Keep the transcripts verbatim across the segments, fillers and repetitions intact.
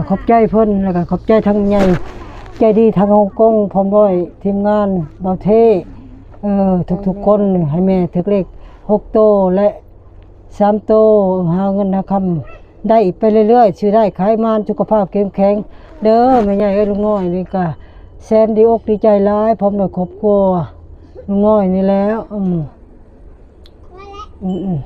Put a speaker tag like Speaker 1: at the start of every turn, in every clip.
Speaker 1: ขอบใจเพิ่นแล้วก็ขอบใจทั้งใหญ่ใจดีทั้งฮ่องกงพร้อมด้วยทีมงานเบาเทเออทุกๆคนให้แม่ถึกเลขหกโตและสามโตหาเงินหาคำได้ไปเรื่อยๆชื่อได้ขายมานสุขภาพเข้มแข็งเด้อแม่ใหญ่เอ้ยลุงน้อยนี่ก็แสนดีอกดีใจหลายพร้อมด้วยครอบครัวลุงน้อยนี่แล้วอืมอืม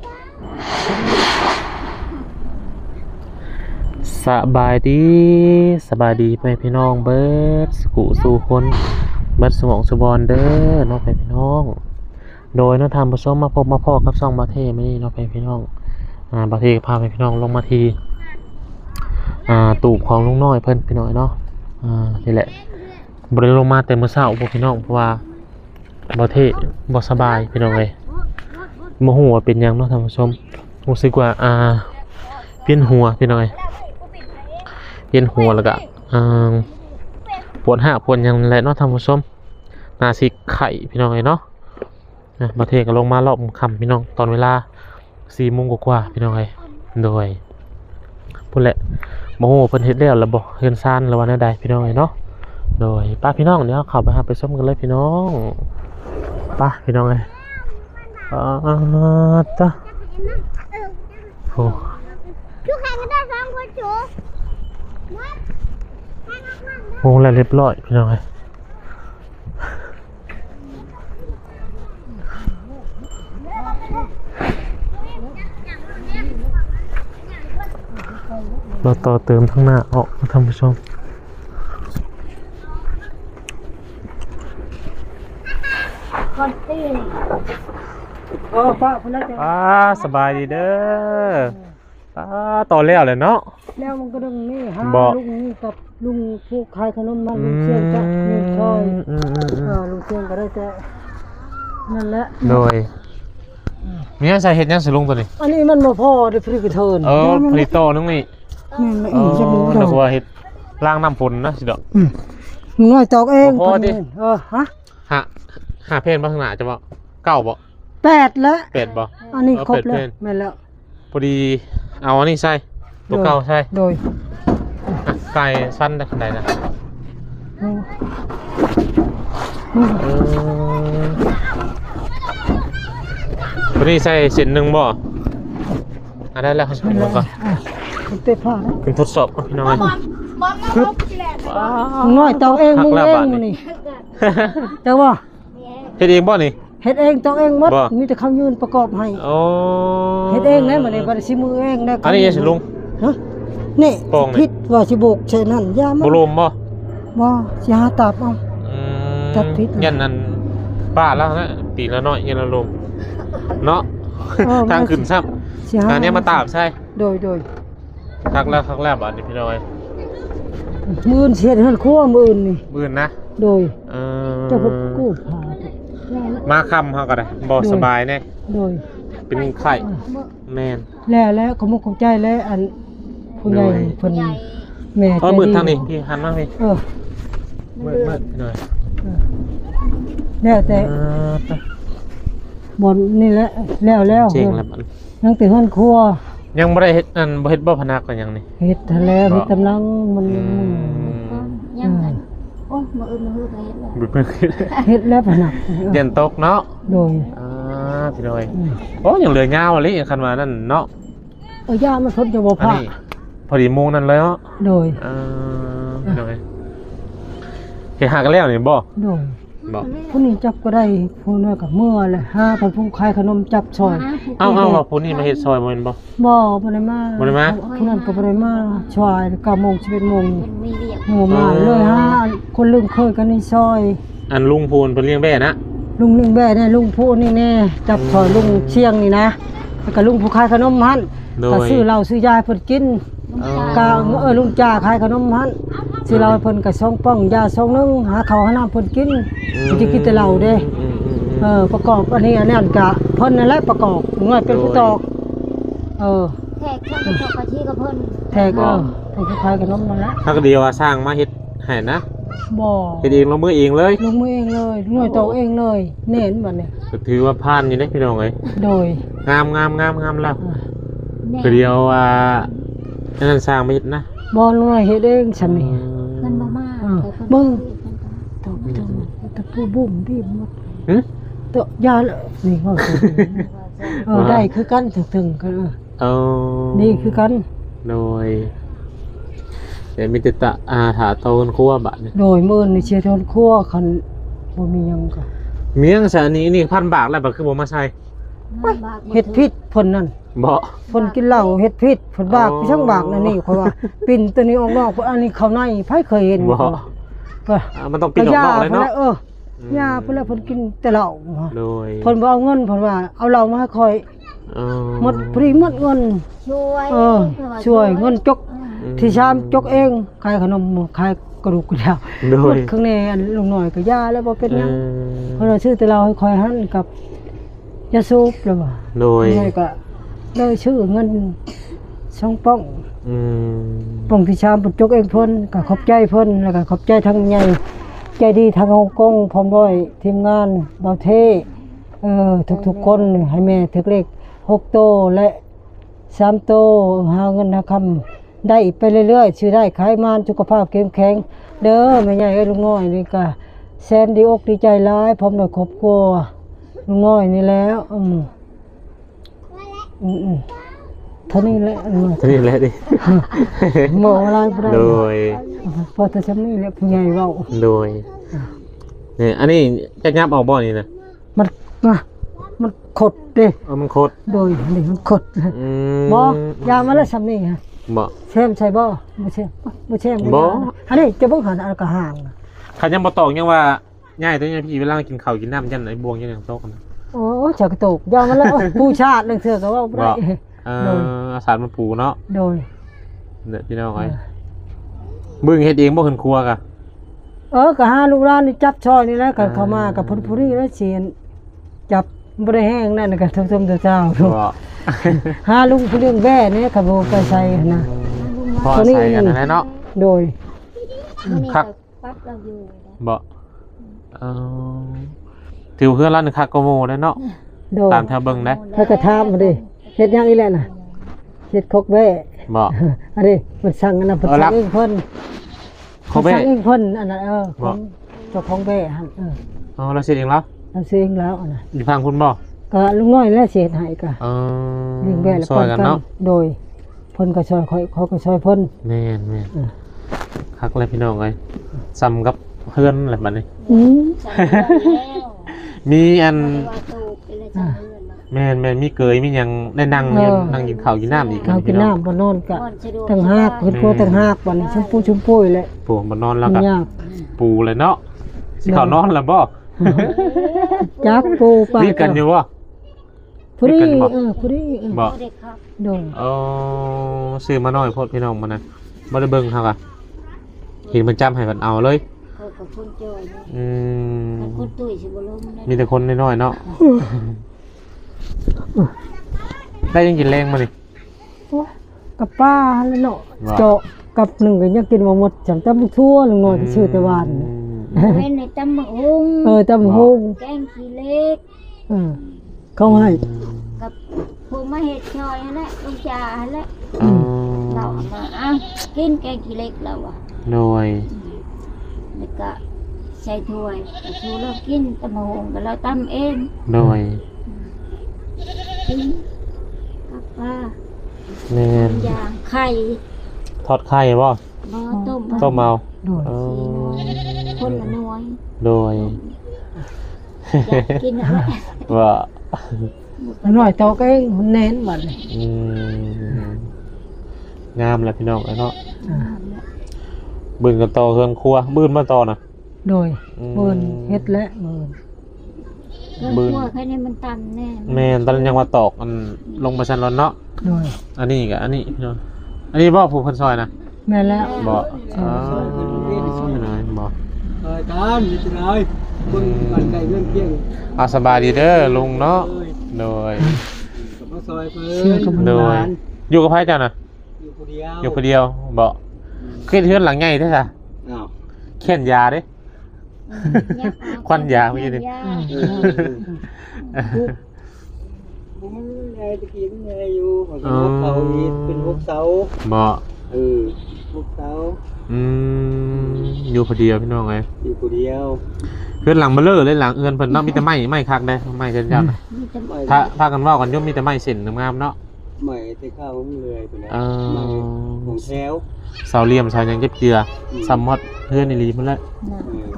Speaker 2: สบายดีสบายดีไปพี่น้องเบิร์ดสกุสู่คนเบิร์ดสมองสุบอนเด้อน้องไปพี่น้องโดยน้องทำผสมมาพบมาพ่อกับซองบาเทไม่นี่น้องไปพี่น้องอ่าบาเทพาไปพี่น้องลงมาทีอ่าตูบของลุงน้อยเพิ่นพี่น้อยเนาะอ่านี่แหละบริลงมาแต่เมื่อเช้าพวกพี่น้องเพราะว่าบาเทบ่สบายพี่น้องเลยโมโหว่าเป็นยังเนาะท่านผู้ชมรู้สึกว่าอ่าเปลี่ยนหัวพี่น้อยเย็นหัวแล้วก็ปวดหักปวดยังแหละเนาะท่านผู้ชมนาซิไข่พี่น้องเลยเนาะมาเทกันลงมารอบค่ำพี่น้องตอนเวลาสี่โมงกว่าพี่น้องเลยโดยพูดแหละโมโหเพิ่นเฮ็ดแล้วระบบเฮือนซ่านระวันใดพี่น้องเลยเนาะโดยป้าพี่น้องเดี๋ยวเข้าไปหาไปส้มกันเลยพี่น้องป้าพี่น้องเลยอ่าจ้ะโอ้
Speaker 3: ทุกใครก็ได้สองคนจู
Speaker 2: วงแล้วเรียบร้อยพี่น้องเอ้ยเราต่อเติมทั้งหน้าออกท่านผู้ชม
Speaker 3: ก่อนตีน
Speaker 1: เออป้าพุ่นแล้วจ้ะ
Speaker 2: ป้าสบายดีเด้อป้าต่อแล้วเลยเนาะ
Speaker 1: แล้วมันก็ดึงนี่หาลุงนี่กับลุงผู้ขายขนมมันลุงเชียงจ้ะลุงชอยเออลุงเชียงก็ได้แต่นั่นแหละ
Speaker 2: โดยมีอะไรใส่เห็ดยังสิลุงตัวนี้
Speaker 1: อันนี้มันบ่พอได้พริกเทิน
Speaker 2: เออผลิตโตนึงนี่
Speaker 1: เออ
Speaker 2: นึกว่าเห็ดล้างน้ำฝนนะสิดอก
Speaker 1: น้อยตอกเองพอดิเออฮะ
Speaker 2: หาหาเพนบ้างหนาจะบ่เก้าบ่
Speaker 1: แปดแล้ว
Speaker 2: แปดบ่
Speaker 1: อันนี้ครบแล้วแม่แล้ว
Speaker 2: พอดีเอาอันนี้ใส่ตัวเก่าใช่
Speaker 1: โดย
Speaker 2: ไก่สั้นได้ขนาดไหนนะพอดีใส่เส้นหนึ่งบ่อ่ะได้แล้วเขาใส่หมดก่อน
Speaker 1: เตะผ้านะ
Speaker 2: เป็นทดสอบพี่น้อง
Speaker 1: น้อยเตาเองมึงเองนี่เจ้าว่า
Speaker 2: เฮ็ดเองบ่นี่
Speaker 1: เฮ็ดเองต้องเองหมดมีแต่คำยืนประกอบให้
Speaker 2: โอ้
Speaker 1: เฮ็ดเองนะมื้อนี้บ่ได้สิมือเองนะ
Speaker 2: อันนี้สิลุง
Speaker 1: ฮะนี่ผิดว่าสิโบกใช่นั่นยามัน
Speaker 2: บ่ลมบ่
Speaker 1: บ่สิหาตับเอา
Speaker 2: อืมตัดผิดยันนั้นป้าแล้วนะปีละน้อยยันละลมเนาะทางขึ้นซ้ำอันนี้มาตาบใช่
Speaker 1: โดยโดย
Speaker 2: ทักแล้วทักแล้วอันนี้พี่น้อย
Speaker 1: มื้อเฮ็ดหั่นครัวมื้อนี่
Speaker 2: มื้อนะ
Speaker 1: โดย
Speaker 2: เออ
Speaker 1: เจ้าบ่กู้ผ้า
Speaker 2: มาค่ำเฮาก็ได้บ่สบายแน่
Speaker 1: โดย
Speaker 2: เป็นไข้แม่น
Speaker 1: แล้วแล้วขอมุกขอบใจแล้วอันผู้ใหญ่เพิ่นแม่
Speaker 2: เออมืดทางนี้พี่หันมาพี่
Speaker 1: เออ
Speaker 2: มืดมืดหน่อย
Speaker 1: แล้วแต่บ่นี่แหละแล้วแล้ว
Speaker 2: เจ๋งแล้วมัน
Speaker 1: ยังแต่ฮ้อนครัว
Speaker 2: ยังบ่ได้เฮ็ดอันบ่เฮ็ดบ่พนักกันยังนี่
Speaker 1: เฮ็ดทะแล้วเฮ็ดกำลังมัน
Speaker 3: ยังโอ้ยมาอื่นมาฮือเฮ็ดแล้ว
Speaker 1: เฮ็ดแล้วพนัก
Speaker 2: เย็นตกเนาะ
Speaker 1: โดย
Speaker 2: อ่าพี่น้อยโอ้ยังเหลือยาวเลยคันว่านั่นเนาะ
Speaker 1: เออย่ามันพ้นจะบ่พา
Speaker 2: พอดีโมงนั่นเลยเนาะ
Speaker 1: โดย
Speaker 2: อ่าพี่น้อยเฮ็ดหากันแล้วนี่บ่
Speaker 1: โดย
Speaker 2: บ่
Speaker 1: ผู้นี้จับก็ได้ผู้น้อยก็เมื่อแหละห้าพันผู้ขายขนมจับซอย
Speaker 2: เอ้าๆว่าผู้นี้มาเฮ็ดซอยบ่แม่นบ่
Speaker 1: บ่บ่ได้มา
Speaker 2: บ่ได้มา
Speaker 1: ผู้นั้นก็บ่ได้มาซอยเก้าโมงสิบเอ็ดโมงโมมาเลยฮะคนลืมเคยกันในซอย
Speaker 2: อันลุงพูนเพิ่นเลี้ยงแบ่นะ
Speaker 1: ลุงเลี้ยงแบ่เนี่ยลุงพูนนี่แน่จับซอยลุงเชียงนี่นะแล้วก็ลุงผู้ขายขนมหั่นก็ซื้อเหล้าซื้อยาเพิ่นกินกาเออลุงจ่าขายขนมหั่นซื้อเหล้าเพิ่นก็ซองป้องยาซองนึงหาข้าวหาน้ำเพิ่นกินสิกินแต่เหล้าเด้เออประกอบอันนี้อันนั้นก็เพิ่นนั่นแหละประกอบง่อยเป็นผู้ตอกเออ
Speaker 3: แทกแทกกะทิกับเพิ่น
Speaker 1: แทกเออแทกขายขนมนั่นแหละ
Speaker 2: ถ้าก็เดียวว่าสร้างมาเฮ็ดให้นะ
Speaker 1: บ่
Speaker 2: เฮ็ดเองลงมือเองเลย
Speaker 1: ลงมือเองเลยหน่วยตอกเองเลยเน้นบัดนี้
Speaker 2: ก็ถือว่าผ่านอยู่เด้พี่น้องเอ้ย
Speaker 1: โดย
Speaker 2: งามๆๆๆแล้วก็เดียวว่าอันนั้นสร้างมาเฮ็ดนะ
Speaker 1: บ่ลุงน้อยเฮ็ดเองฉันนี่
Speaker 3: เพิ่นบ่มา
Speaker 1: เออ
Speaker 3: แต่เพิ่น
Speaker 1: มึง
Speaker 3: เพิ่นก็
Speaker 1: ตบตบตะปูบุ้มดิหมด
Speaker 2: หึ
Speaker 1: ตะยาละนี่เว้าสิเออได้คือกันถึงๆกันเออ
Speaker 2: เอา
Speaker 1: นี่คือกัน
Speaker 2: โดยเดี๋ยวมีติตะอาถาโตนครัวบัดนี่
Speaker 1: โดยมื้อนี่เชียร์ทนครัวคันบ่มีหยังก็
Speaker 2: เมียงสานี้นี่พันบาทแล้วบัดคือบ่มาใช้
Speaker 3: มันบากบ่
Speaker 1: เฮ็ดพิษเพิ่นนั่น
Speaker 2: บ่
Speaker 1: เพิ่นกินเหล้าเฮ็ดพิษเพิ่นบาก
Speaker 2: อ๋อ
Speaker 1: ไปทั้งบากนั่นนี่ข่อยว่า ปิ่นตัวนี้ออกนอกอันนี้เข้าในไผเคยเห็น
Speaker 2: บ่
Speaker 1: ก็
Speaker 2: อ่ามันต้องปีนออกนอกเลยเนาะ
Speaker 1: เออยาเพิ่นแล้วเพิ่นกินแต่เหล้า
Speaker 2: โดย
Speaker 1: เพิ่นบ่เอาเงินเพิ่นว่าเอาเหล้ามาให้ข่อย
Speaker 2: เออ
Speaker 1: หมดพอดีหมดเงิน
Speaker 3: ช่วย
Speaker 1: เออช่วยเงินจก
Speaker 2: อืม
Speaker 1: ที่ชามจกเองขายขนมขายกระดูกกระดาว
Speaker 2: โด
Speaker 1: หม
Speaker 2: ย
Speaker 1: ดข้างในอันลุงหน่อยก็ยาแล้วบ่เป็นหยัง
Speaker 2: เอ
Speaker 1: เพิ่น
Speaker 2: อ
Speaker 1: ว่าชื่อแต่เราให้ข่อยหันกับยาสูบแล้วว่า
Speaker 2: โดย
Speaker 1: นี่ก็เลยชื่อเงินช่องป้อง
Speaker 2: อืม
Speaker 1: ป้องที่ชามเพิ่นจกเองเพิ่นก็ขอบใจเพิ่นแล้วก็ขอบใจทั้งใหญ่ใจดีทางฮ่องกงพร้อมด้วยทีมงานเบาเทเออทุกๆคนให้แม่ถึกเลขหกโตและสามโตหาเงินหาคำได้ไปเรื่อยๆชื่อได้ขายมานสุขภาพเข้มแข็งเด้อแม่ใหญ่เอ้ยลุงน้อยนี่ก็แสนดีอกดีใจหลายพร้อมด้วยครอบครัวลุงน้อยนี่แล้วอืมอืมๆเท่านี้แหละอืม
Speaker 2: เท่านี้แหละดิ
Speaker 1: หมออะไรบ่ได้
Speaker 2: โดย
Speaker 1: พอแต่ซำนี้แหละผู้ใหญ่เว้า
Speaker 2: โดยเนี่ยอันนี้จะยับออกบ่อนี่นะ
Speaker 1: มันมามันขดเด้
Speaker 2: เออมันโคตร
Speaker 1: โดยนี่มันขด
Speaker 2: อืม
Speaker 1: บ่ยามาแล้วซำนี้ฮะ
Speaker 2: บ่
Speaker 1: แช่มใช่บ่บ่แช่มบ่แช่ม
Speaker 2: บ่
Speaker 1: อันนี้จะเบิ่งหันอันก็ห่าง
Speaker 2: ขันยังบ่ตอกยังว่าง่ายตัวนี้พี่เวลากินข้าวกินน้ำยันไอ้บวงยันอย่างโตกันนะ
Speaker 1: โอ้จักระตกยามาแล้วโอ้ผู้ชาตินึงเถื่อก็เว้าบ่ได้
Speaker 2: บ่ เอออาสารมันปูเนาะ
Speaker 1: โดย
Speaker 2: เด้อพี่น้องไอ้บึ้งเฮ็ดเองบ่ขึ้นครัวกะ
Speaker 1: เออก็หาลูกหลานนี่จับช่อยนี่แหละก็เข้ามากับเพิ่นผู้นี้แล้วเสียนจับบ่ได้แห้งนั่นก็ทุ่มๆเจ้าๆ
Speaker 2: บ่
Speaker 1: หาลุงผู้เรื่องแว่นี่ก็บ่ไปใส่นะ
Speaker 2: พอใส่กันนั่นแหละเนาะ
Speaker 1: โดย
Speaker 3: มื้อนี้
Speaker 2: ครั
Speaker 3: ก็
Speaker 2: บ
Speaker 3: ปั๊บเราอยู่นะ
Speaker 2: บ่เออถือเพื่อนร้านนึงคักก็โมได้เนาะ
Speaker 1: โดย
Speaker 2: ตามแถวเบิ่งได้
Speaker 1: ถ้าก็ถามมาดิเฮ็ดหยังอีแหละน่ะเฮ็ดคกแว่
Speaker 2: บ่
Speaker 1: อันนี้มันสั่งอันนั้นเพิ่น
Speaker 2: เออรั
Speaker 1: สั่
Speaker 2: บ
Speaker 1: งเองเพิ่น
Speaker 2: เขาแว่
Speaker 1: พิ่นสั่งเองเพิ่นอันนั้นเออข
Speaker 2: บ่
Speaker 1: องเจ้าของแว่หั่นเออ
Speaker 2: อ๋อเราเสร็จเองแล้ว
Speaker 1: เราซื้อเองแล้วอันน่ะ
Speaker 2: อยู่ฟังคุณบ่
Speaker 1: ก็ลุงน้อยแล้วสิเฮ็ดให้ก็
Speaker 2: เออ
Speaker 1: เลี้ยงแว่แล้ว
Speaker 2: ซอยกันเนาะ
Speaker 1: โดยเพิ่นก็ช่วยค่อยเขาก็ช่วยเพิ่น
Speaker 2: แม่นแม่น
Speaker 1: เออ
Speaker 2: คักเลยพี่น้องเอ้ยซ้ำกับเพื่อนแหละบัดนี้
Speaker 1: อืม
Speaker 3: ใส่เรือนแล้ว
Speaker 2: มีอัน
Speaker 3: บ่ได้ว่าตูกเป็นเลยใส่เรือนมา
Speaker 2: แม่นแม่นมีเกยมีหยังได้นั่งอยู่นั่งกินข้าวกินน้ำอีก
Speaker 1: ข้าวกินน้ำบ่นอนก็
Speaker 3: นอนสะดวก
Speaker 1: ตั้งหากเพิ่นกลัวตั้งหากบัดนี้ชมพูชมพูแหละ
Speaker 2: ปูมานอนแล้ว
Speaker 1: มั
Speaker 2: ก็
Speaker 1: นยาก
Speaker 2: ปูเลยเนาะสิเข้านอนแล้วบ่
Speaker 1: จักปูปลา
Speaker 2: รีดกันอยู่บ่
Speaker 1: ผู้ดี
Speaker 2: มีกันบ่
Speaker 1: เออผู้ดีเออ
Speaker 2: บ่
Speaker 3: เด็กครับ
Speaker 1: โดย
Speaker 2: เออซื้อมาหน่อยโพดพี่น้องมันนะบ่ได้เบิ่งเฮาก็เห็นมันจำให้มันเอาเลย
Speaker 3: เขากับคนจอยนี่
Speaker 2: อืม
Speaker 3: แต่คนตุ้ยสิบ่ลงได้
Speaker 2: มีแต่คนน้อยๆเนาะได้ยังกินแรงมานี่
Speaker 1: กับป้าแล้วเนาะ
Speaker 2: ว่า
Speaker 1: เจาะกับหนึ่งก็ยังกินบ่หมดจำตำบักทั่วลุงน้อยก็ชื่อแต่วาน
Speaker 2: อืม
Speaker 3: เว้นในตำบักหุ่ง
Speaker 1: เออตำบักฮง
Speaker 3: แกงขี้เล็ก
Speaker 1: เออเขาให้
Speaker 3: กับผู้มาเฮ็ดชอยนั่นแหละลูกจ่านั่นแหละ
Speaker 2: อืม
Speaker 3: เราเอามาอ่ะกินแกงขี้เล็กเราอ่ะ
Speaker 2: หน่วย
Speaker 3: แล้วก็ใส่ถ้วยก็ชูเรากินตำบักหุ่งก็เราตำเอง
Speaker 2: หน่วย
Speaker 3: กินกับปลา
Speaker 2: แม่น
Speaker 3: ย่างไข่
Speaker 2: ทอดไข่บ่
Speaker 3: บ่ต้ม
Speaker 2: ต้มเอา
Speaker 1: โดย
Speaker 2: เอ
Speaker 3: สี่หน่วย
Speaker 2: อ
Speaker 3: คนละหน่วย
Speaker 2: โดย
Speaker 3: อยากกินอะไร
Speaker 2: ว่า
Speaker 1: น้อยเตอกเองมันแน่นบัดนี้
Speaker 2: อืมงามแหละพี่น้องไอ้เนาะ
Speaker 1: อ่า
Speaker 2: บืนกันต่อเครื่องครัวบืนมาต่อนะ
Speaker 1: โดย
Speaker 2: อืม
Speaker 1: เบิ่นเฮ็ดและเบิ่น
Speaker 3: เรื่อง
Speaker 2: บึ้ง
Speaker 3: พวกแค่นี้มันตันแน่
Speaker 2: แม่นตอนนั้นยังว่าตอกอันลงมาชั้นร้อนเนาะ
Speaker 1: โดย
Speaker 2: อันนี้กับอันนี้พี่น้องอันนี้บ่ผูกพันซอยนะ
Speaker 1: แม่นแล้ว
Speaker 2: บ่อ๋อไม่น้อยบ่
Speaker 4: เออตามนี่จะได้เบิ่งมันไก่เรื่องเที่ยง
Speaker 2: อาสบายดีเด้อลุงเนาะโดย
Speaker 4: กับมาซอยเพิ่
Speaker 1: เชื่อน กับ
Speaker 2: โดย อยู่กับไผจ้ะน่ะ
Speaker 4: อยู่คนเดียว
Speaker 2: อยู่คนเดียวบ่เครียดเฮือนหลังใหญ่แท้จ้ะ
Speaker 4: อ้าว
Speaker 2: เขียนยาเด้ ควันยาเมื่อกี้นี่
Speaker 4: ผมไงตะกี้มันไงอยู่ผมก็เขาอีกเป็นพวกเสา
Speaker 2: บ่
Speaker 4: เออลูกสาว
Speaker 2: อืมอยู่คนเดียวพี่น้องไง
Speaker 4: อยู่คนเดียว
Speaker 2: เพื่อนหลังเบลอเลยหลังเอือนเพิ่นเนาะมีแต่ไม้ไม้คักได้ไม้เกินยัน
Speaker 3: มีแต่
Speaker 4: ไม่
Speaker 2: ถ้าพากันเว่ากันย่อมมีแต่ไม้เส้นงามๆเนาะ
Speaker 4: ไม่ได้ข้าวของเลยไปแล้ว
Speaker 2: เออ
Speaker 4: ไม่ของแถว
Speaker 2: เสาเหลี่ยมเสาหยังเก็บเจือซัมมอดเพื่อนอีหลีพุ่นละ
Speaker 3: น่ะ
Speaker 4: เออ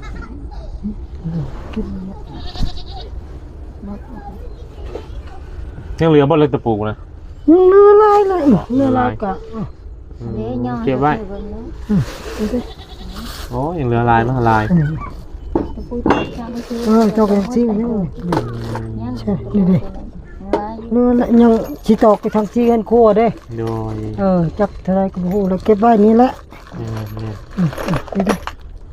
Speaker 3: หมด
Speaker 2: ยังเหลือบ่เลยตะปูนะ
Speaker 1: ยังเรือลายเลยเรือลายกะอ่ะ
Speaker 2: อืม
Speaker 3: เดี๋ยวย่อ
Speaker 2: เก็บไว้
Speaker 3: เบิ่งเนาะ
Speaker 1: ดูสิ
Speaker 2: โอ้ยังเหลือลายมาลาย
Speaker 1: อันนี้
Speaker 3: ตะปูตัดช่างซื้อ
Speaker 1: เออเจ้าก็ยังซีนี่
Speaker 3: ยัง
Speaker 1: ใช่นี่ดิ
Speaker 3: ไว้
Speaker 1: เรือละยังสิตอกไปทางซีกันครัวเด้
Speaker 2: โดย
Speaker 1: เออจักเท่าไรก็บ่ฮู้แล้วเก็บไว้นี่แหละ
Speaker 2: เนี่ยเนี่ย
Speaker 1: อืมอืมนี่ดิ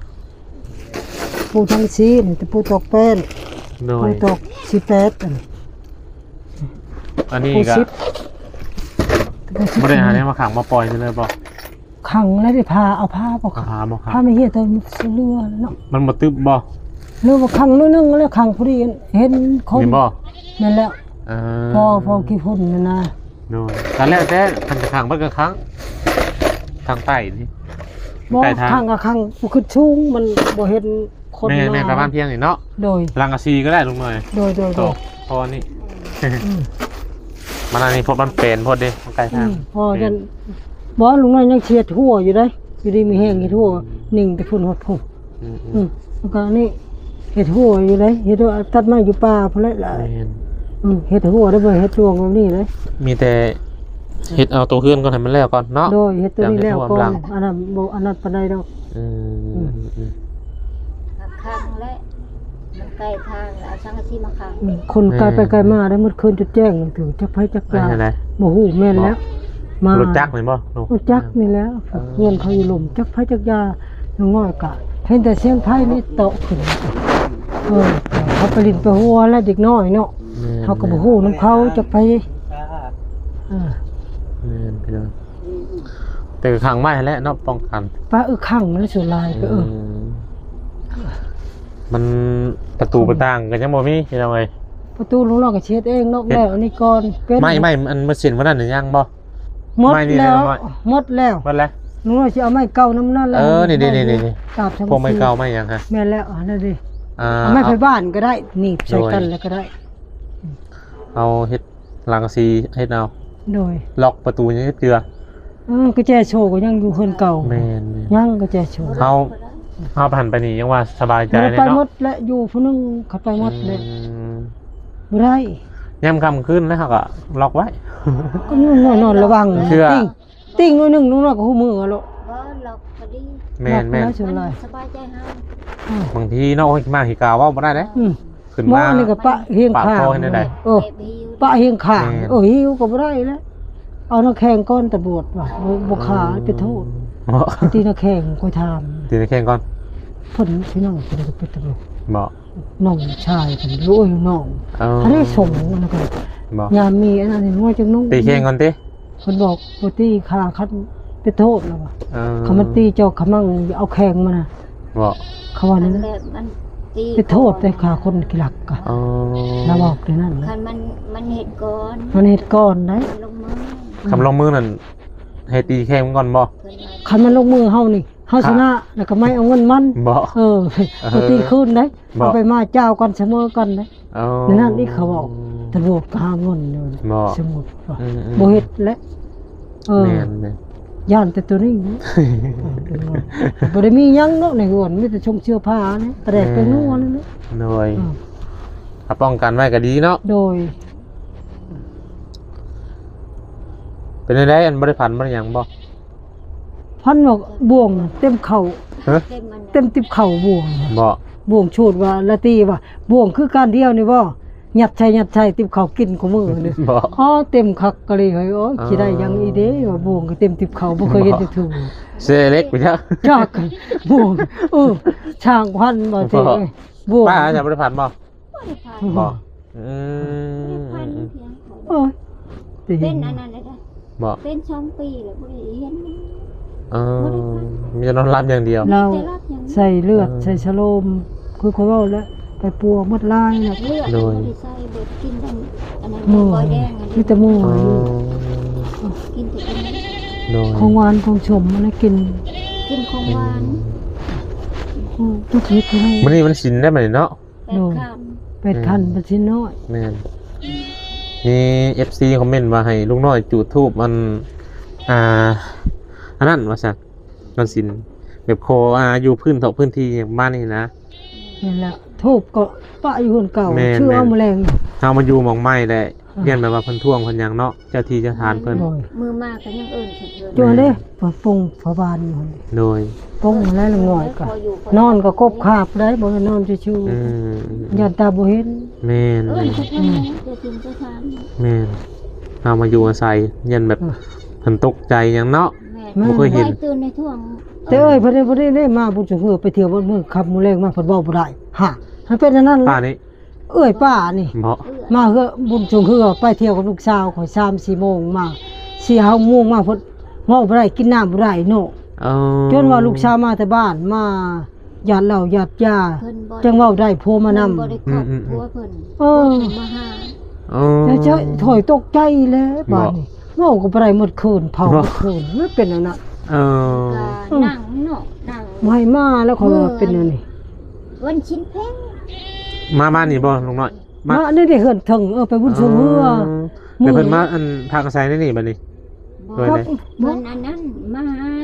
Speaker 1: ปูทางซีนี่แต่ปูตอกแป้น
Speaker 2: โด
Speaker 1: ปู
Speaker 2: ย
Speaker 1: ตอกสิแปดอันนี้
Speaker 2: อันนี้
Speaker 1: ปู
Speaker 2: ก็
Speaker 1: สิบ
Speaker 2: บ่ได้หาเนี่ยมาขังมาปล่อยไปเลยบ่
Speaker 1: ขังแล้วได้พาเอาผ้าบ่
Speaker 2: กระ
Speaker 1: ขัง
Speaker 2: พาบ่ขัง
Speaker 1: ผ้าไม่เหี้ยตัวเรือเนาะ
Speaker 2: มันบ่ตึบบ่
Speaker 1: เรือว่าขังนิดนึงแล้วขังพอดีเห็นคน
Speaker 2: นี่บ่
Speaker 1: นั่นแหละ
Speaker 2: เออ
Speaker 1: พอพอกี่พุ่นนั่นนะ
Speaker 2: โดยตอนแรกแต่คันจะขังเบิดกระครั้งทางใต้นี่
Speaker 1: บ่
Speaker 2: ใต้ทาง
Speaker 1: ขังกับขังบ่ขึ้นสูงมันบ่เห็นคน
Speaker 2: แม่แม่ประมาณเพียงนี่เนาะ
Speaker 1: โดย
Speaker 2: ลังกะซีก็ได้ลุงหน่อย
Speaker 1: โดยโดย
Speaker 2: โต
Speaker 1: โดย
Speaker 2: พอนี่
Speaker 1: อืม
Speaker 2: มันอันนี้พดมันเป็นพดเด้มันไกล
Speaker 1: อื
Speaker 2: ทาง
Speaker 1: มพอจันบ่ลุงน้อยยังเชียดทั่วอยู่ได้อยู่ดีมีแห้งเฮ็ดทั่วนิ่งแต่พุ่นฮอดพุ่น
Speaker 2: อืมอื
Speaker 1: อื
Speaker 2: ม
Speaker 1: มแล้วก็นี่เฮ็ดทั่วอยู่เลยเฮ็ดทั่วตัดไม้อยู่ป่าพุ่นแหละล่ะ
Speaker 2: แม่น
Speaker 1: อืมเฮ็ดทั่วได้บ่เฮ็ดรวงแบบนี้เลย
Speaker 2: มีแต่เฮ็ดเอาตัวเฮือนก่อนให้มันแล้วก่อนเนาะ
Speaker 1: โดยเฮ็ดตัวนี้แล้วก่อ
Speaker 2: หลั
Speaker 1: น
Speaker 2: ง
Speaker 1: อันนั้นบ่อันนั้นปานใดดอก
Speaker 2: อืมอืมอืม
Speaker 3: ข้างและมันใกล้ทางแล้วช่างอาชีพมาข้าง
Speaker 1: อืมคนไกลไปไกลมาได้หมดคืนจุดแจ้งถึงจักไผจัก
Speaker 2: ไม่
Speaker 1: ลา
Speaker 2: ใช่ไร
Speaker 1: บ่ฮู้แม่นแล้ว มาร
Speaker 2: ถจักรเลยบ่ลูก
Speaker 1: รถจักรนี่แล้วเงินเขาอยู่หลุมจักไผจักยาน้องน้อยกะเห็นแต่เสียงไผนี่โตะขึ้นเออเขาไปลินไปหัวแล้วเด็กน้อยเนาะเขาก็บ่ฮู้นำเขาจักไผเออ
Speaker 2: แม่นพี่น้องแต่ก็ขังไว้แล้วเนาะป้องกัน
Speaker 1: ป้าเออข้างมันสุดลายก็เออ
Speaker 2: มมันประตูประต่างกันยังบ่มีพี่น้องเอ้ย
Speaker 1: ประตูลุงน้อยก็เช็ดเองนอกแล้วอันนี้ก่อนเป็น
Speaker 2: ไม่ไม่มันมันเส้นวันนั้นหรือยังบ่
Speaker 1: หมด
Speaker 2: ไม่นี่
Speaker 1: แล้ว
Speaker 2: นะไม่
Speaker 1: หมดแล้ว
Speaker 2: มันแล้ว
Speaker 1: ลุงน้อยสิเอาไม้เก่าน้ำนั่นแล้ว
Speaker 2: เออนี่ๆๆ
Speaker 1: ตาบทั้ง
Speaker 2: พวกไม่เก่าไม่ยังฮะ
Speaker 1: แม่นแล้วอันนั้นดิ
Speaker 2: อ่า
Speaker 1: เอาไม้ไฟบ้านก็ได้หนีบใส่กันแล้วก็ได้
Speaker 2: เอาเฮ็ดหลังซีเฮ็ดเอา
Speaker 1: โดย
Speaker 2: ล็อกประตูยังเฮ็ดเกลือ
Speaker 1: เออกุญแจโชว์ก็ยังอยู่คนเก่า
Speaker 2: แม่น
Speaker 1: ยังกุญแจโชว์
Speaker 2: ๆเอาเอาผ่านไปนี่ยังว่าสบายใจ
Speaker 1: บ่ได้
Speaker 2: เลย
Speaker 1: ไปหม
Speaker 2: เนาะ
Speaker 1: ดและอยู่ผู้หนึงเขาไปหมดเลย
Speaker 2: อืม
Speaker 1: บ่ได้
Speaker 2: ยามค่ำคืนแล้วเขาก็ล็อกไว้
Speaker 1: ก็นอนนอนระวัง
Speaker 2: เชื่อ
Speaker 1: ติ้งติ้งหน่อยหนึงลุงน้อยก็ฮู้มืออะลูก
Speaker 3: บ่หลอกพอดี
Speaker 2: แม่นแม่น
Speaker 1: ล็อกไว้สุดลาย
Speaker 3: สบายใจเฮา
Speaker 1: อืม
Speaker 2: บางทีเนาะมาหิกาวเว้าบ่ได้เด้
Speaker 1: อืม
Speaker 2: ขึ้น
Speaker 1: หมอ
Speaker 2: มา
Speaker 1: นี่ก็ปะเฮียง
Speaker 2: ปาก
Speaker 1: ข้าง
Speaker 2: คอให้ได้
Speaker 1: เออ
Speaker 3: เก็บหิว
Speaker 1: ปะเฮียงข้าง
Speaker 2: แม่น
Speaker 1: เออหิวก็บ่ได้แล้วเอาน้ำแข็งก้อนตะบวดว่ะบ่บ่ขาไปโทษ
Speaker 2: บ่
Speaker 1: ตีน้ำแข็งค่อยถาม
Speaker 2: ตีนแข่งก่อน
Speaker 1: เพิ่นพี่น้องเพิ่นก็ไปตะบวด
Speaker 2: บ่
Speaker 1: น้องชายเพิ่นรู้อยู่น้อง
Speaker 2: เอา
Speaker 1: อันนี้ส่งอันนั้นก็
Speaker 2: บ่
Speaker 1: ยามมีอันนั้นน้อยจังนุ่ง
Speaker 2: ตีแข่งก่อนติ
Speaker 1: เพิ่นบอกบ่ตีขาคันไปโทษแล้วว่ะ
Speaker 2: เออ
Speaker 1: เขามันตีเจ้าขมั่งเอาแข็งมาน่ะ
Speaker 2: บ่
Speaker 1: เขาว่า
Speaker 3: มั
Speaker 1: นั่
Speaker 3: น
Speaker 1: น
Speaker 3: แบ
Speaker 1: นะ
Speaker 3: บมันตี
Speaker 1: ไปโทษแต่ขาคนกิลักกะ
Speaker 2: อ๋อ
Speaker 1: แล้วบอกในนั้นนะ
Speaker 3: คันมันมันเห็ดก่อน
Speaker 1: มันเฮ็ดก่อนได้
Speaker 3: มันลงมือ
Speaker 2: คำลงมือนั่นให้ตีแข่งก่อนบ่
Speaker 3: เพิ่นมา
Speaker 1: คันมันลงมือเฮานี่เฮาชนะแล้วก็ไม่เอาเงินมัน
Speaker 2: บ่
Speaker 1: เออไปตีคืนได้
Speaker 2: บ่
Speaker 1: เอาไปมาเจ้ากันเสมอกันได้
Speaker 2: เอา
Speaker 1: ในนั้นนี่เขาบอกตำรวจก็หาเงินอยู่
Speaker 2: บ่
Speaker 1: สมุดว่า
Speaker 2: อืมๆ
Speaker 1: บ่เฮ็ดและเออ
Speaker 2: แม่นแม่น
Speaker 1: ย่านแต่ตัวนี้นะบ่ได้มีหยังเนาะในหัวนมีแต่ชงเสื้อผ้านี่แตรกไปนัวนั่นแหละ
Speaker 2: โดย
Speaker 1: อืม
Speaker 2: ถ้าป้องกันไว้ก็ดีเนาะ
Speaker 1: โดย
Speaker 2: เป็นได้อันบ่ได้พันบ่ได้หยังบ่
Speaker 1: พันบอกบ่วงเต็มเข่า
Speaker 2: ฮะ
Speaker 3: เต็มมัน
Speaker 1: เต็มติบเข่าบ่วง
Speaker 2: บ่
Speaker 1: บ่วงชูดว่าละตีว่าบ่วงคือการเดียวนี่บ่หยัดใช้หยัดใช้ติบเข่ากินของมือนี่
Speaker 2: บ่
Speaker 1: อ๋อเต็มคักก็เลยเฮ้ยโอ้ยสิได้หยังอีเด้ว่าบ่วงก็เต็มติบเข่าบ่เคยเห็นจักถูก
Speaker 2: เสเล็กไปจ้ะ
Speaker 1: จักบ่วงเออช่างพันบ่ติเอ้ยบ่วง
Speaker 2: ป้าจะบ่ได้พันบ่
Speaker 3: บ่ได้พา
Speaker 2: บ่อื
Speaker 3: พัน
Speaker 2: ม
Speaker 3: เพียง
Speaker 1: โอ้ยติ
Speaker 3: เป็นอันนั้นเลยนะ
Speaker 2: บ่
Speaker 3: เป็นสองปีแล้วบ่ได้เห็น
Speaker 2: เออมีแต่นอนรับอย่างเดียว
Speaker 1: เรา
Speaker 3: แต่รับยัง
Speaker 1: ใส่เลือดใส่ชะโลมคือเขาเว้าแล้วไปปัวหมดลายน่ะ
Speaker 3: เลือด
Speaker 2: โดย
Speaker 3: บ่ได้ใส่เบิดกินทั้งอันนั้น
Speaker 1: มือ
Speaker 3: บ่อยแดงอัน
Speaker 1: มี
Speaker 3: นี้
Speaker 1: แต่มือ
Speaker 2: อ๋อ
Speaker 1: อยู่
Speaker 3: กินแต่อันนี้
Speaker 2: โดย
Speaker 1: ของหวานของชมมันกิน
Speaker 3: กินของหวาน
Speaker 1: อืมทุกทีก็ได้
Speaker 2: มื้อนี้มันสินได้บัดนี้เนาะ
Speaker 3: แปดค
Speaker 1: เป็ดคันเป็นชิ้นน้อย
Speaker 2: แม่นมี เอฟ ซี คอมเมนต์ว่าให้ลุงน้อยจุดธูปมันอ่าอันนั้นว่าซั่นมันสินแบบโคอ่าอยู่พื้นเถาะพื้นที่อย่างบ้านนี่นะ
Speaker 1: นี่แหละทูบก็ปะอยู่คนเก่า
Speaker 2: แม่น
Speaker 1: ชื่อเอาแมลง
Speaker 2: เฮามาอยู่หม่องไม้แหละเรียนแบบว่าเพิ่นท่วงเพิ่นหยังเนาะเจ้าที่เจ้าทานเพิ่น
Speaker 1: โดย
Speaker 3: ำมือมากก็ยังเอิ้นถึงเพิ่น
Speaker 1: จัวเด้เปิดปงฝาบานอยู่หั่น
Speaker 2: โดย
Speaker 1: ปงแล้วละหน่อยก็นอนก็กบคาบได้บ่ได้นอนชิว
Speaker 2: อืม
Speaker 1: ๆยันตาบ่เห็น
Speaker 2: แม่น
Speaker 3: เอิ้นถึงเพิ่นนะจะถึงจะทาน
Speaker 2: แม่นเฮามาอยู่อาศัยยันแบบเพิ่นตกใจหยังเนาะ
Speaker 3: แม่
Speaker 2: บ่เคยเห็น
Speaker 3: ไว้ตื่นในท่วง
Speaker 1: แต่เอ้ยเพิ่นได้บ่ได้ได้มาบุญสุเฮือไปเที่ยวบ่มื้อขับมื้อแรงมาเพิ่นเว้าบ่ได้ฮะมันเป็นอันนั้น
Speaker 2: ป้านี่
Speaker 1: เอ้ยป้านี่
Speaker 2: บ่
Speaker 1: มาเฮือบุญสุเฮือไปเที่ยวกับลูกสาวข่อย สามสี่โมงมา สี่ห้าโมงมาเพิ่นเว้าบ่ได้กินน้ำบ่ได้เนาะ
Speaker 2: เออ
Speaker 1: จนว่าลูกสาวมาแต่บ้านมาหยาดเหล้าหยาดยา
Speaker 3: เพิ่นบ่
Speaker 1: จังเว้าได้โพมานำ
Speaker 3: เพิ่นบ่ได้ครอบครัวเพิ่น
Speaker 1: เออ
Speaker 3: เพิ่นมาหา
Speaker 2: เออ
Speaker 1: จะจะถอยตกใจแล้วบ้านนี้เว้าก็บ่ได้หมดคืนเผาหมดคืนมันเป็นอันนั้น
Speaker 2: เออ
Speaker 3: ก็นั่งเนาะนั่ง
Speaker 1: บ่ให้มาแล้วข่อยว่าเป็นอันนี้
Speaker 3: วันชิ้นเพ่ง
Speaker 2: มาบ้านนี่บ่ลุงน้อย
Speaker 1: มาอันนี้ได้เฮือนถึงเออไปบุญชมเฮือ
Speaker 2: เดี๋ยวเพิ่นมาอันพากระไสได้นี่บัดนี้
Speaker 3: บ่
Speaker 2: ด้วย
Speaker 1: ครับ
Speaker 2: เลย
Speaker 3: เพิ่นอันนั้นมาหาม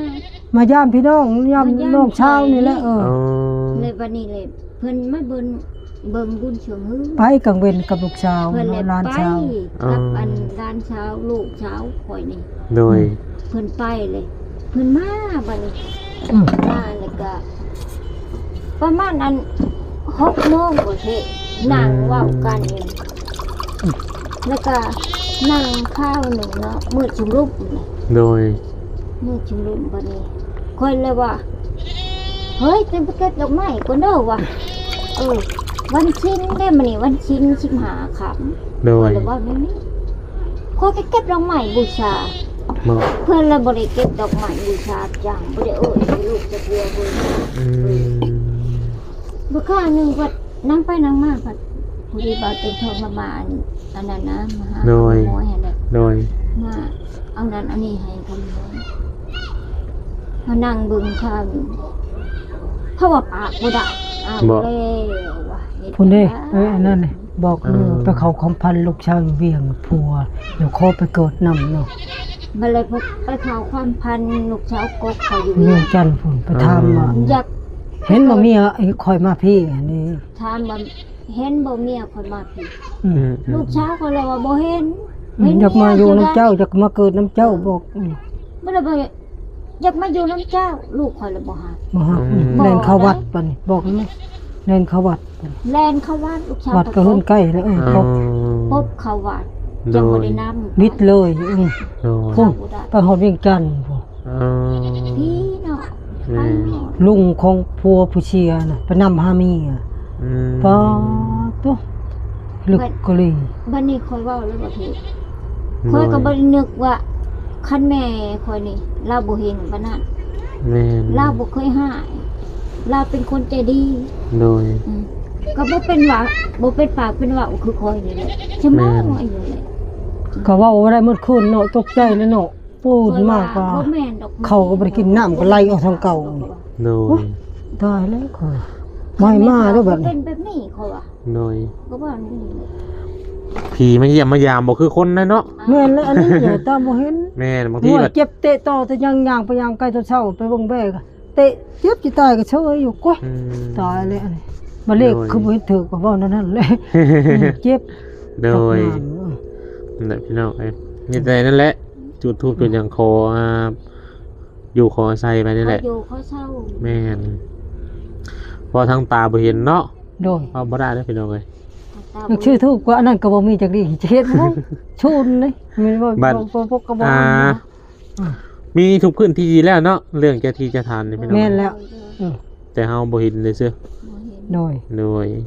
Speaker 1: ายามพี่น้องยามน้องเช้านี่แหละเออ
Speaker 2: เออ
Speaker 3: เลยวันนี้เลยเพิ่นมาเบิ่งเบิ่งบุญเชิงฮือ
Speaker 1: ไปกลางเว้นกับลูกสาว
Speaker 3: เพิ่นเลย
Speaker 1: หลาน
Speaker 3: ไป
Speaker 1: สาว
Speaker 3: กับอันหลานเช้าลูกเช้าข่อยนี่
Speaker 2: โดย
Speaker 3: เพิ่นไปเลย เพิ่นมาบัดนี้
Speaker 1: อืม
Speaker 3: มาแล้วก็ประมาณอันหกโมงกว่าเทนั่งเว้ากันอยู่แล้วก็นั่งข้าวหนึ่งเนาะมืดชุมรุปนี่
Speaker 2: โดย
Speaker 3: มืดชุมรุปบัดนี้ค่อยเลยว่าเฮ้ยเต็มไปเก็บดอกไม้ก่อนเด้อว่ะเออวันชิ้นได้มานี่วันชิ้นชิมหาขำ
Speaker 2: โด
Speaker 3: ค่อย ยเลยว่าไม่มีค่อยก็เก็บดอกไม้บูชา
Speaker 2: เมื่อ
Speaker 3: เพื่อนเลยบริเก็บดอกไม้บูชาจังบริเอ่ยให้ลูกจะเกลือเบย
Speaker 2: อืม
Speaker 3: บุค่าหนึ่งวัดนั่งไปนั่งมาพัดผู้ดีบาเป็นทองมามาอันอันนั้นนะมาหาหมอให้เลย
Speaker 2: โดย
Speaker 3: มาเอานั้นอันนี้ให้คำนวณมานั่งเบึงข้าวอยู่เพราะว่าปากบ่ได้อ้าวแล้วว่ะเฮ็ด
Speaker 1: พุ่นเด้
Speaker 3: จั่งใ
Speaker 1: เอ้ยอันนั้นนี่บอกเออไปเขาคอมพันธุ์ลูกชาวเวียงผัวเดี๋ยวขอไปเกิดนำเนาะ
Speaker 3: มาเลยพบไปข่าวความพันลูกเช้าวกกเขาอยู่
Speaker 1: เวี
Speaker 3: เวี
Speaker 1: ย
Speaker 3: ย
Speaker 1: ง
Speaker 3: ง
Speaker 1: จันทน์พุ่นไปถามว่า
Speaker 3: อยาก
Speaker 1: เห็นบ่มีอ่ะไอ้คอยมาพี่อันนี้
Speaker 3: ถามว่าเห็นบ่เมียคนมาผิด
Speaker 1: อื
Speaker 2: อื
Speaker 1: ม
Speaker 2: ม
Speaker 3: ลูกเช้าวเขาเลยว่าบ่เห็น
Speaker 1: อืมอยากมาอยู่น้ำเจ้าอยากมาเกิดน้ำเจ้าบอกอืม
Speaker 3: บ่ได้บ่อยากมาอยู่น้ำเจ้า ลูกคอยเลยบ่หา
Speaker 1: บ่ฮักอืมเล่นเข้าวัดปะนี่บอกเลยไหมเล่นเข้าวัดปะนี่
Speaker 3: แลนเข้าวัดลูกเช้าว
Speaker 1: วัดก็เพิ่นใกล้แล้วเออ
Speaker 2: เอ
Speaker 1: พบ
Speaker 3: พบเข้าวัด
Speaker 2: โด
Speaker 3: จังบ่
Speaker 2: ย
Speaker 3: ได้นำ
Speaker 1: มิดเลยอืม
Speaker 2: โดย
Speaker 1: พุ่นไปฮอดเวียงจันทน์พุ่น
Speaker 2: เอ
Speaker 3: พี่เนาะไปหมด
Speaker 1: ลุงของผัวผู้เชียน่ะไปนำหาเมีอ่ะ
Speaker 2: อืม
Speaker 1: ป้าตุ๊ลึกกะลี
Speaker 3: บัดนี้คอยเว้าเลยบ่ถูกคอยก็บ่ได้นึกว่าคันแม่คอยนี่เราบ่เห็นปานนั้น
Speaker 2: แม่น
Speaker 3: เราบ่เคยหายเราเป็นคนใจดี
Speaker 2: โดย
Speaker 3: อืมก็บ่เป็นว่าบ่เป็นปากเป็นว่าคือคอยนี่แหละชั่วโมงอายุเลย
Speaker 1: ก็เว่าบ่ได้หมดคืนเนาะตกใจเลยเนาะปูดมากก็
Speaker 3: บ่แม่นดอก
Speaker 1: เขาก็บ่ได้กินน้ำก็ไล่ออกทางเก่า
Speaker 2: โดย
Speaker 1: ตายแล้วค่ะไม่มาเด้อแบบ
Speaker 3: เป็
Speaker 1: นี้
Speaker 3: นแบบนี้เขาว่า
Speaker 2: โดย
Speaker 3: ก็ว่านี่เลย
Speaker 2: ผีมาเยี่ยมมายามบ่คือคนนะเนาะ
Speaker 1: แม่นแล้วอันนี้อย่าตามบ่เห็น
Speaker 2: แม่นบางที
Speaker 1: หัว
Speaker 2: แบบ
Speaker 1: เจ็บเตะต่อแต่ยังย่างไปย่างใกล้ตอนเช้าไปเบิ่งแบกอะเตะเจ็บสิตายก็เฉยอยู่กว่า
Speaker 2: อืม
Speaker 1: ตายเลยอันนี้มาเลข
Speaker 2: โดย
Speaker 1: คือบ่เห็นถือก็เว้านั่นนั่นเลยเจ็บ
Speaker 2: โดย
Speaker 1: ตกน้ำ
Speaker 2: นั่นแหละพี่น้องเอ้ยนี่แต่นั่นแหละ จุดทูบจุดหยังคออ่าอยู่คอใส่ไปนี่แหละ
Speaker 3: เขาอยู่เขาเช่า
Speaker 2: แม่นพอทางตาบ่เห็นเนาะ
Speaker 1: โดย
Speaker 2: เอาบ่ได้เด้อพี่น้องเอ้ย
Speaker 3: ตา
Speaker 1: อยากชื่อถูกกว่าอันนั้นก็บ่มีจักดีเฮ็ดบ่ชูนเลยมีบ่
Speaker 2: บัด
Speaker 1: บ่บ่ก็บ่
Speaker 2: อ่า มีทุกพื้นที่แล้วเนาะเรื่องเจ้าที่เจ้าทานนี่พี่น้อง
Speaker 1: แม่นแล้วอือ
Speaker 2: แต่เฮาบ่เห็นเลยซื่อ
Speaker 1: โดย
Speaker 2: โดย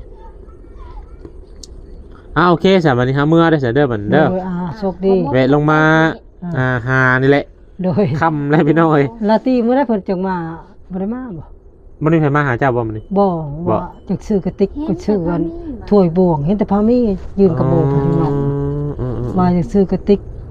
Speaker 2: อ่าโอเคสำหรับวันนี้ฮะเมื่อได้เสียเด้อบัน
Speaker 1: โด
Speaker 2: เด้อย
Speaker 1: อ่าโชคดี
Speaker 2: แวะลงมาอ่าหานี่แหละ
Speaker 1: โดย
Speaker 2: ค่ำแล้วพี่น้องเอ้ย
Speaker 1: ลาตีมื้อใดเพิ่นจังมาบ่ได้มาบ่
Speaker 2: บ่ได้ไผมาหาเจ้าบ่มื้อนี้
Speaker 1: บ่
Speaker 2: บ่
Speaker 1: ว่าจักซื้อกระติกก็ซื้อกันถ้วยบวงเห็นแต่พามียืนกระโบกอยู่นอก
Speaker 2: อืมอืม
Speaker 1: มาจักซื้อกระติกถ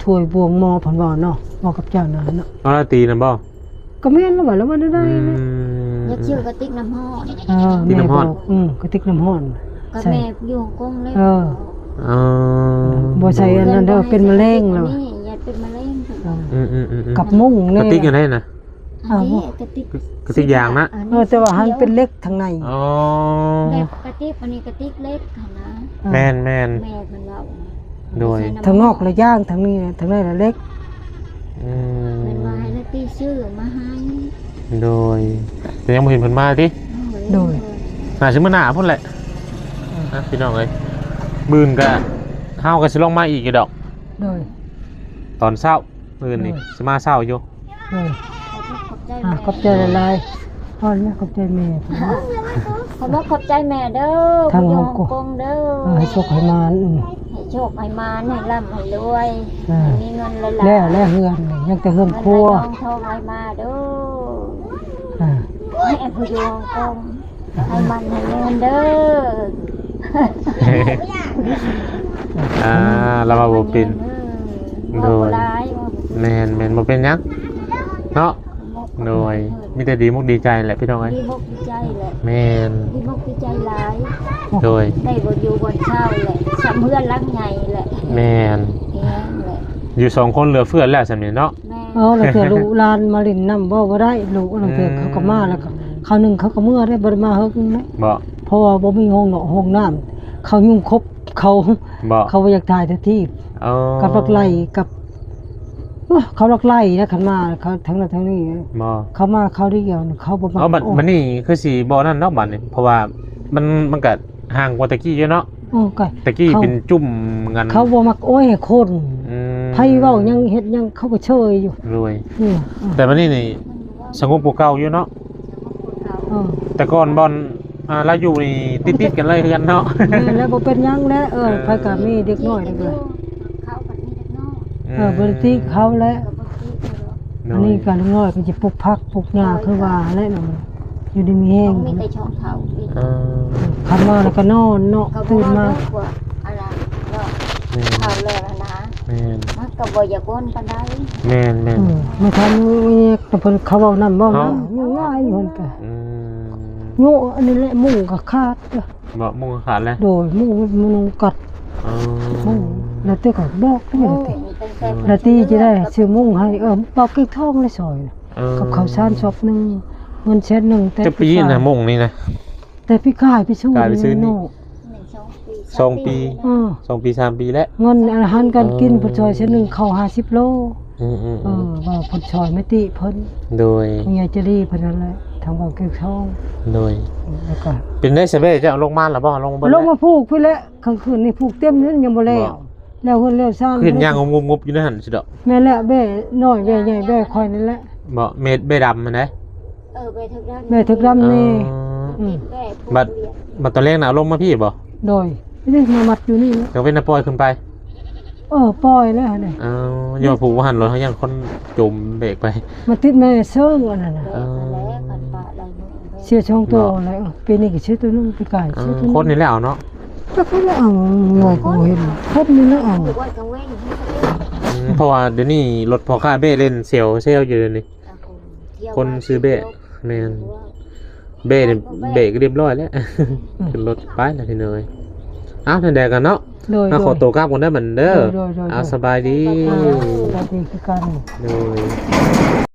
Speaker 1: ถ้วยบวงหมอเพิ่นว่าเนาะหมอกับเจ้านะเนาะ
Speaker 2: เอาละตีนำบ่
Speaker 1: ก็แม่นแล้วว่าแล้วมันได้
Speaker 2: อื
Speaker 1: นะ
Speaker 2: ม
Speaker 3: อย่าเชื่อกระติกน้ำห้อน
Speaker 1: เออ
Speaker 2: กินน้ำร้อน
Speaker 1: แม่บกอืมกระติกน้ำร้อน
Speaker 3: ก็
Speaker 1: ใช่
Speaker 3: แม่อยู่ฮ่องกงเลย
Speaker 1: เออ
Speaker 2: อ๋อ
Speaker 1: บ่ใช่อันนั้นเด้อเป็นมะเร็งแล้ว
Speaker 3: นี่อย่าเป็นมะเร็ง
Speaker 2: อืมอืมอืมอืม
Speaker 1: กับมุ้ง
Speaker 2: ก
Speaker 1: นี่
Speaker 2: ระติกอยู่ไหนน่ะ
Speaker 3: อันนี้กระติก
Speaker 2: กระติกยางนะ
Speaker 1: เออแต่ว่าหันเป็นเล็กทางใน
Speaker 2: อ๋อ
Speaker 3: แบบกระติกอันนี้กระติกเล็กค่ะนะ
Speaker 2: แม่นแม่น
Speaker 3: แม่เพิ่นเว้า
Speaker 2: โดย
Speaker 1: ทางนอกละย่างทางนี้นะทางในละเล็ก
Speaker 2: อืม
Speaker 3: เพิ่นว่าให้นาตีซื้อมาให้
Speaker 2: โดยแต่ยังบ่เห็นเพิ่นมาติ
Speaker 1: โดย
Speaker 2: น่าสิมื้อหน้าพุ่นแหละนะพี่น้องเอ้ยมื้อนก็เฮาก็สิลงมาอีกอยู่ดอก
Speaker 1: โดย
Speaker 2: ตอนเช้ามื้อนนี่สิมาเช้าอยู่
Speaker 1: โดย
Speaker 3: ขอบใจ
Speaker 1: อ่ะ
Speaker 3: แม่
Speaker 1: ขอบใจหลายๆพ่อเนี่ยขอบใจแม่
Speaker 3: ขอบขอบใจแม่เด้อ
Speaker 1: ทาง
Speaker 3: อยู่
Speaker 1: ฮ่องกง
Speaker 3: กงเด้อ
Speaker 1: เออให้โชคให้มานอืม
Speaker 3: ให้โชคให้มาให้ร่ำให้รวย
Speaker 1: อ่า
Speaker 3: ให้มีเงินหลายๆ
Speaker 1: แล้วแล้วเฮือนนี่ยังแต่เฮือนครัว
Speaker 3: เงินไหลทองไหลมาเด้อ
Speaker 1: อ่า
Speaker 3: ให้ผู้อยู่ฮ่องกงให้มันให้เงินเด้อ
Speaker 2: อ่าเรามาบ่เป็น
Speaker 3: โดย
Speaker 2: แม่นแม่นบ่เป็นหยังเนาะโดยมีแต่ดีมุกดีใจแหละพี่น้องเอ้ย
Speaker 3: ดีมกดีใจแหละ
Speaker 2: แม่น
Speaker 3: ดีมกดีใจหลาย
Speaker 2: โดย
Speaker 3: ได้บ่อยู่บนเช่าแหละสำเพื่อนรักใหญ่แหละ
Speaker 2: แม่น
Speaker 3: แห้งแหละ
Speaker 2: อยู่สองคนเหลือเฟือแล้วสำนี้เนาะ
Speaker 3: แม่
Speaker 1: เออแล้วเถื่อลูกหลานมาเลินน้ำบ่บ่ได้ลูกแล้วเถื่อเขาก็มาแล้วก็เขาวหนึงเขาก็เมื่อได้บ่ได้มาเฮิกนะ
Speaker 2: บ่
Speaker 1: เพราะว่าบ่มีห้องเนาะห้องน้ำเขายุ่งครบเขา
Speaker 2: บ่
Speaker 1: เขาบ่อยากถ่ายทันที
Speaker 2: เอา
Speaker 1: กับลักไล่กับโอ้เขาลักไล่นะคันมาเขาทั้งนั้นทั้งนี้
Speaker 2: บ่
Speaker 1: เขามาเขาได้เดียวนี่เขาบ่มา
Speaker 2: เอาบัด
Speaker 1: โอ้
Speaker 2: มันนี่คือสิบ่นั่นเนาะบัดนี่เพราะว่ามันมันก็ห่างกว่าตะกี้เยอะเนาะ
Speaker 1: โอ้ไก่
Speaker 2: ตะกี้เป็นจุ่มกัน
Speaker 1: เขาบ่มักโอ้ยคน
Speaker 2: อืม
Speaker 1: ไผเว้ายังเฮ็ดยังเขาก็เชยอยู่
Speaker 2: รวย
Speaker 1: นี่
Speaker 2: แต่มันนี่นี่สงบกว่าเก่าอยู่เนาะ
Speaker 1: เออ
Speaker 2: แต่ก่อนบอลอ่าเราอยู่นี่ติดๆกันเลยคือกันเนาะ
Speaker 1: แม่แล้วบ่เป็นหยังแล้วเออไผก็มีเด็กน้อยเด็กเลย
Speaker 3: เขาปัดนี้เด็กน้อย
Speaker 1: เออบ่ได้ติเขาแล้ว
Speaker 3: ก็บ่ติดเลย
Speaker 1: อันนี้ก็เล็กน้อยก็สิปลูกผักปลูกหญ้าคือว่าแหละเนาะอยู่ดีมีแห้ง
Speaker 3: มีแต่ช่องเขาอีก
Speaker 2: เออ
Speaker 1: คันมาแล้วก็นอนเนาะ
Speaker 3: เขาบอ
Speaker 1: ตื่
Speaker 3: ก
Speaker 1: น
Speaker 3: ว่า
Speaker 1: มา
Speaker 3: เลิกว่าอะไรเนาะ
Speaker 2: แม่น
Speaker 3: เขาแล้วนะ
Speaker 2: แม่น
Speaker 3: มันก็บ่อยากวนปานใด
Speaker 2: แม่นแม่น
Speaker 1: อืมไม่ทันมีแต่เพิ่นเขาเว้านำเว้า
Speaker 2: เอ้า
Speaker 1: นำอยู่ง่ายอยู่หั่นก็
Speaker 2: อืม
Speaker 1: โง่อันนี้แหละมุ้งก็ขาดเด้อ
Speaker 2: บ่มุ่งขาดแล้ว
Speaker 1: โดยมุ้งมันมุงกัด
Speaker 2: เอ
Speaker 1: มุ้ง
Speaker 2: อ
Speaker 1: แล้วแต่ก็บอกได้
Speaker 3: โอ้
Speaker 1: เลย
Speaker 3: ยตั้งแต่
Speaker 1: แล้วตีจะได้ซื้อมุ้งให้เออปอกเก็กทองเลยซอยน่ะ
Speaker 2: เออ
Speaker 1: กับข้าวสารชอบหนึงเงินเช็ดหนึงแต่
Speaker 2: จะปีนะมุ่งนี่นะ
Speaker 1: แต่พี่กายไปสู้
Speaker 2: กายไปซื้อนี่
Speaker 1: โน่
Speaker 3: หนึ่งสองปี
Speaker 2: สองปี
Speaker 1: เออ
Speaker 2: สองปีสามปีแล้ว
Speaker 1: เงินอาหารการกิน
Speaker 2: เออ
Speaker 1: เพิ่นซอยเช็ดหนึงเข้าห้าสิบโล
Speaker 2: อืมอืม
Speaker 1: เออว่าเพิ่นซอยไม่ติเพิ่น
Speaker 2: โดย
Speaker 1: เมียจะรีเพิ่นนั่นแหละทางบอกเก็กทอง
Speaker 2: โดย
Speaker 1: แล้วก็
Speaker 2: เป็นได้เสเบ้จะเอาลงมาหรือบ่ลงบน
Speaker 1: ลงมาผูกพี่แล้วกลางคืนนี่ผูกเต็มนี่ยังบ่แล้วแล้วเพิ่นแล้วซ่าน
Speaker 2: ขึ้นย่างงงบๆอยู่ในหันสิดอก
Speaker 1: แม่นแหละแม่น้อยแม่ใหญ่แม่คอยนั่นแหละ
Speaker 2: บ่เม็ดเบ้ดำมันได้
Speaker 3: เออไปถึกด้าน
Speaker 1: แม่ถึกดำนี่
Speaker 2: อืม
Speaker 3: แม่
Speaker 2: บัดบัดตอนแรกน่ะเอาลงมาพี่บ่
Speaker 1: โดยไม่ได้มามัดอยู่นี่นะ
Speaker 2: เดี๋ยวเป็นน่ะปล่อยขึ้นไป
Speaker 1: เออปล่อยแล้วเนี่ย
Speaker 2: เอาอย่าผูกว่าหันรถเขายังคนจมเบรกไป
Speaker 1: มาติดแม่เซิงอันนั้นน่ะ
Speaker 3: แม่แล้วกันปะอะไรนู่น
Speaker 1: เชื่อช่องตัวอะไรเออปีนี้ก็ชื่อตัวนึงปีกาย
Speaker 2: เอ
Speaker 1: ชื่อ
Speaker 2: อ
Speaker 1: ตัวนึง
Speaker 2: คนนี่แหละเอาเนาะ
Speaker 1: ก็เขาแล้วเอาหน่อยกูเห็นคนนี่แล้วเอา
Speaker 3: ถือว่ากังเว้นที่เขาเล่น
Speaker 2: อืมเพราะว่าเดี๋ยวนี้รถพอค่าเบ้เล่นเซลเซลอยู่เดี๋ยวนี้ คนซื้อเบ้แม่น เบ้เนี่ยเบรกเรียบร้อยแล้ว ขึ้นรถไปแล้วทีเนยอ้าวทันแดกันเนาะ
Speaker 1: โดย
Speaker 2: เอาขอตัวกลับกันได้เหมือนเด้อ
Speaker 1: โดยโดยโดย
Speaker 2: เอาสบายดี
Speaker 1: อ่าสวัสดีคือกัน
Speaker 2: โดย